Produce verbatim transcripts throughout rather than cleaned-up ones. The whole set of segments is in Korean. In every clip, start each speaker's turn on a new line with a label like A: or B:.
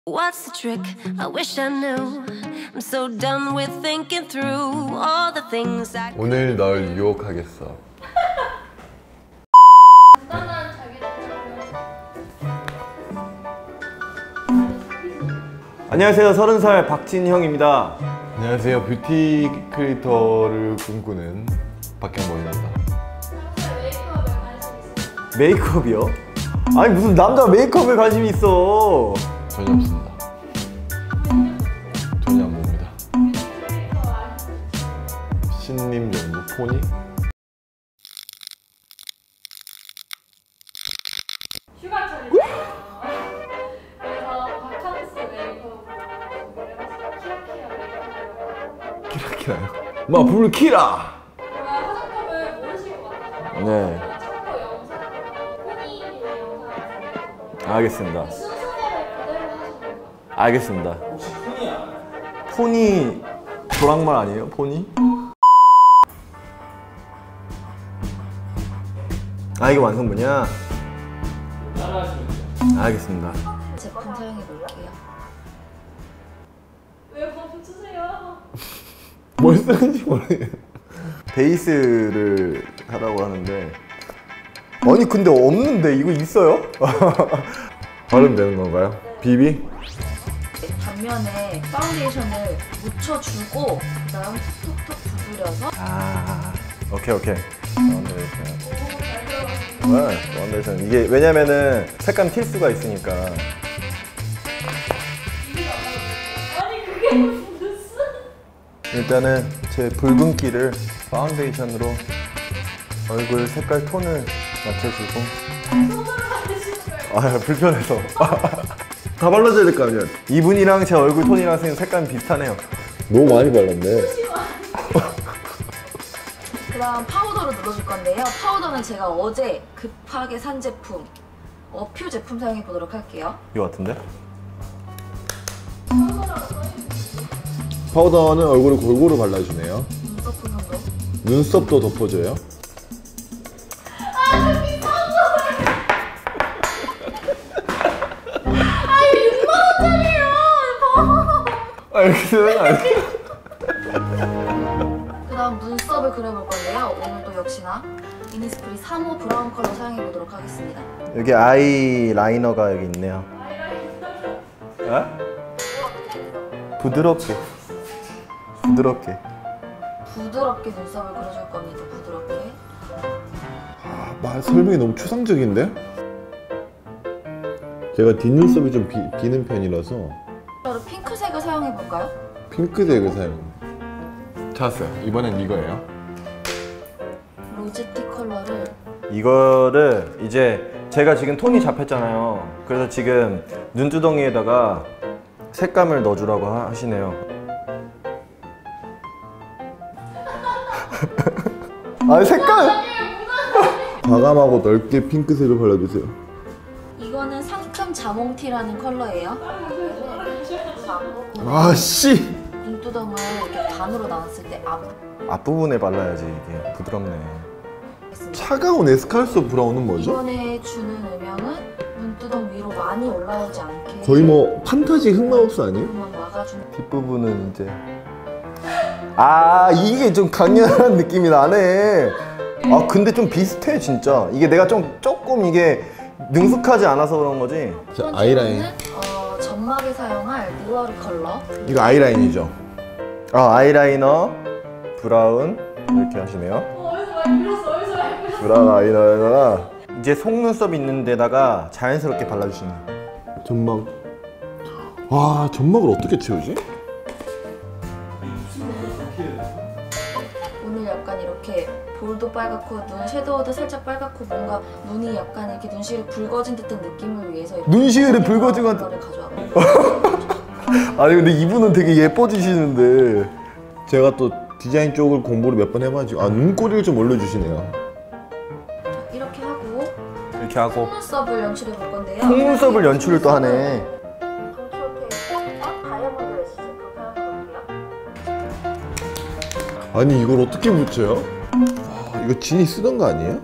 A: What's the trick? I wish I knew. I'm so done with thinking through all the things I.
B: 오늘 널 유혹하겠어.
C: 간단한
D: 안녕하세요. 서른 살 박진형입니다.
B: 안녕하세요. 뷰티 크리에이터를 꿈꾸는 박경범입니다.
C: 메이크업에 관심 있어요?
D: 메이크업이요? 아니 무슨 남자 메이크업에 관심이 있어.
B: 전혀 없습니다. 전혀 안 봅니다. 신림 연구 포니?
C: 휴가철이죠. 그래서 바캉스 메이크업으로 준비를 해봤어요. 키라키라 메이크업이라고.
B: 키라키라요? 마 불을 키라!
C: 제가 화장품을 모르실 것 같아요.
D: 네.
C: 참고 영상, 포니의 영상
D: 알겠습니다.
C: 순서대로 그대로 하시면 돼요.
D: 알겠습니다. 혹시 포니야? 포니 조랑말 아니에요? 포니? 아 이게 완성분이야? 따라하시면 돼요. 알겠습니다.
E: 제품 사용해 볼게요.
C: 왜 멈추세요?
B: 뭘 쓰는지 모르겠어요.
D: 베이스를 하라고 하는데 아니 근데 없는데 이거 있어요?
B: 바르면 되는 건가요? 비비?
E: 단면에 파운데이션을 묻혀주고 그다음 톡톡톡 두드려서
D: 아 오케이 오케이 파운데이션 네, 파운데이션 이게 왜냐면은 색감 튈 수가 있으니까.
C: 아니 그게 무슨?
D: 일단은 제 붉은기를 파운데이션으로 얼굴 색깔 톤을 맞춰주고.
C: 손으로 만드시는 거예요?
D: 아 불편해서 다 발라줘야 될 거 아니야. 이분이랑 제 얼굴 톤이랑 색감이 비슷하네요.
B: 너무 많이 발랐네.
E: 그다음 파우더를 눌러줄 건데요. 파우더는 제가 어제 급하게 산 제품 어퓨 제품 사용해 보도록 할게요.
D: 이거 같은데?
B: 파우더는 얼굴을 골고루 발라주네요.
E: 눈썹 정도.
B: 눈썹도 덮어줘요.
D: 아 이렇게 되는 거 아니야?
E: 그다음 눈썹을 그려볼 건데요. 오늘도 역시나 이니스프리 삼 호 브라운 컬러 사용해 보도록 하겠습니다.
D: 여기 아이 라이너가 여기 있네요. 에? 부드럽게 부드럽게
E: 부드럽게 눈썹을 그려줄 겁니다. 부드럽게.
B: 아, 말 설명이 너무 추상적인데? 제가 뒷눈썹이 좀 비, 비는 편이라서
E: 컬러를 핑크색을 사용해 볼까요?
B: 핑크색을 사용. 찾았어요. 이번엔 이거예요.
E: 로제티 컬러를
D: 이거를 이제 제가 지금 톤이 잡혔잖아요. 그래서 지금 눈두덩이에다가 색감을 넣어주라고 하, 하시네요. 아니 색깔!
B: 과감하고 넓게 핑크색을 발라주세요.
E: 이거는 상큼 자몽티라는 컬러예요.
B: 아 씨!
E: 눈두덩을 이렇게 반으로 나눴을 때 앞.
D: 앞부분에 발라야지 이게 부드럽네.
B: 차가운 에스칼소 브라운은 뭐죠?
E: 이번에 주는 음영은 눈두덩 위로 많이 올라오지 않게
B: 거의 뭐 판타지 흑마법사 아니에요?
E: 그만 막아주는.
D: 뒷부분은 이제 아 이게 좀 강렬한 느낌이 나네. 아 근데 좀 비슷해 진짜. 이게 내가 좀 조금 이게 능숙하지 않아서 그런 거지.
B: 자, 아이라인.
E: 어, 점막에 사용할 누아르 컬러.
B: 이거 아이라인이죠?
D: 아 아이라이너 브라운 이렇게 하시네요.
C: 어, 어디서 많이 빌었어? 어디서 많이 빌었어?
D: 브라운 아이라이너가 이제 속눈썹 있는 데다가 자연스럽게 발라주시는.
B: 점막. 와, 점막을 어떻게 채우지?
E: 오늘 약간 이렇게 볼도 빨갛고 눈 섀도우도 살짝 빨갛고 뭔가 눈이 약간 이렇게 눈시울이 붉어진 듯한 느낌을 위해서 이렇게
D: 눈시울이 붉어진 것
E: 컬러를 가져와봤어요.
D: 아니 근데 이분은 되게 예뻐지시는데.
B: 제가 또 디자인 쪽을 공부를 몇 번 해가지고 아 눈꼬리를 좀 올려주시네요.
E: 이렇게 하고
D: 이렇게 하고
E: 속눈썹을 연출해 볼 건데요.
D: 속눈썹을 연출을 또 하네.
E: 다이아몬드 레시 제품 사용해 볼게요.
B: 아니 이걸 어떻게 붙여요? 와, 이거 진이 쓰던 거 아니에요?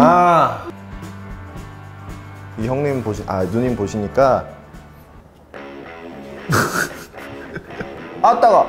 D: 아, 이 형님 보시, 아 누님 보시니까 아따가.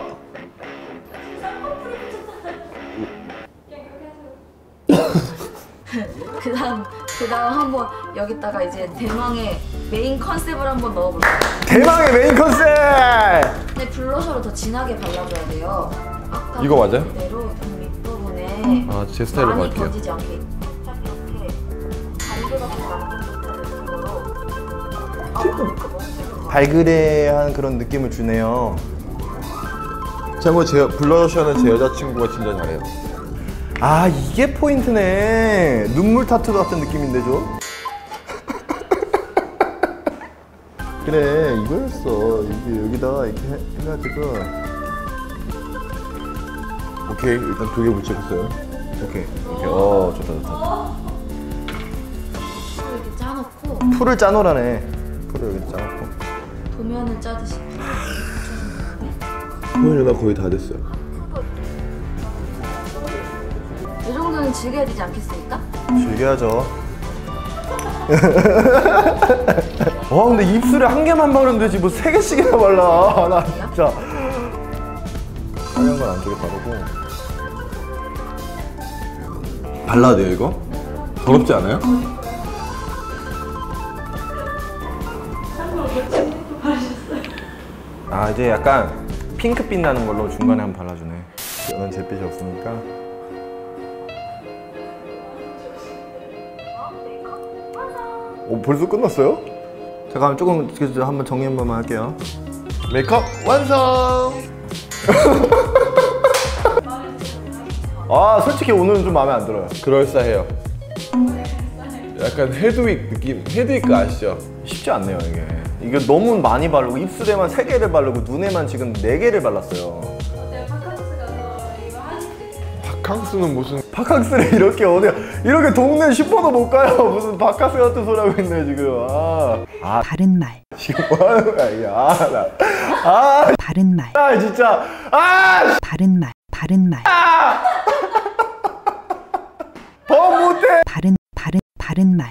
E: 그 다음 그 다음 한번 여기다가 이제 대망의 메인 컨셉을 한번 넣어볼게요.
D: 대망의 메인 컨셉.
E: 근데 블러셔를 더 진하게 발라줘야 돼요. 아까
B: 이거 맞아요?
E: 그대로 눈 밑부분에
B: 아, 제 스타일로
E: 많이
B: 갈게요.
E: 번지지 않게 딱 이렇게 발그랗게 만든 듯한 느낌으로. 아, 그러니까 너무 잘
D: 발그레한 그런 느낌을 주네요.
B: 참고 제 블러셔는 제 여자친구가 진짜 잘해요.
D: 아 이게 포인트네. 눈물 타투 같은 느낌인데 좀. 그래 이거였어. 이게 여기다가 이렇게 해, 해가지고.
B: 오케이, 일단 두 개 붙여줬어요.
D: 오케이 오케이. 어 좋다 좋다.
E: 풀을 이렇게 짜놓고
D: 풀을 짜놓으라네. 풀을 여기 짜놓고.
E: 도면을 짜듯이
B: 표현이 나 거의 다 됐어요.
E: 이 정도는 즐겨야 되지 않겠습니까?
D: 즐겨야죠. 와 근데 입술에 한 개만 바르면 되지 뭐 세 개씩이나 발라. 나 진짜. 하얀 건 안쪽에 바르고.
B: 발라야 돼요, 이거? 더럽지 않아요?
D: 아 이제 약간 핑크빛 나는 걸로 중간에 한번 발라주네. 저는 잿빛이 없으니까. 오 벌써 끝났어요? 잠깐만 조금 그, 한번 정리 한 번만 할게요.
B: 메이크업 완성!
D: 아 솔직히 오늘은 좀 마음에 안 들어요.
B: 그럴싸해요. 약간 헤드윅 느낌, 헤드윅 아시죠?
D: 쉽지 않네요 이게. 이게 너무 많이 바르고 입술에만 세 개를 바르고 눈에만 지금 네 개를 발랐어요.
C: 내가 바카스 가서 이거 하시
B: 바캉스는 무슨
D: 바캉스를 이렇게 어디 이렇게 동네 슈퍼도 못 가요. 무슨 바캉스 같은 소리 하고 있네 지금. 아, 아
F: 바른 말,
D: 지금 뭐 하는 거야 이게. 아, 나, 아,
F: 바른 말,
D: 아 진짜. 아,
F: 바른 말, 바른 말,
D: 더 못해.
F: 바른 바른 바른 말,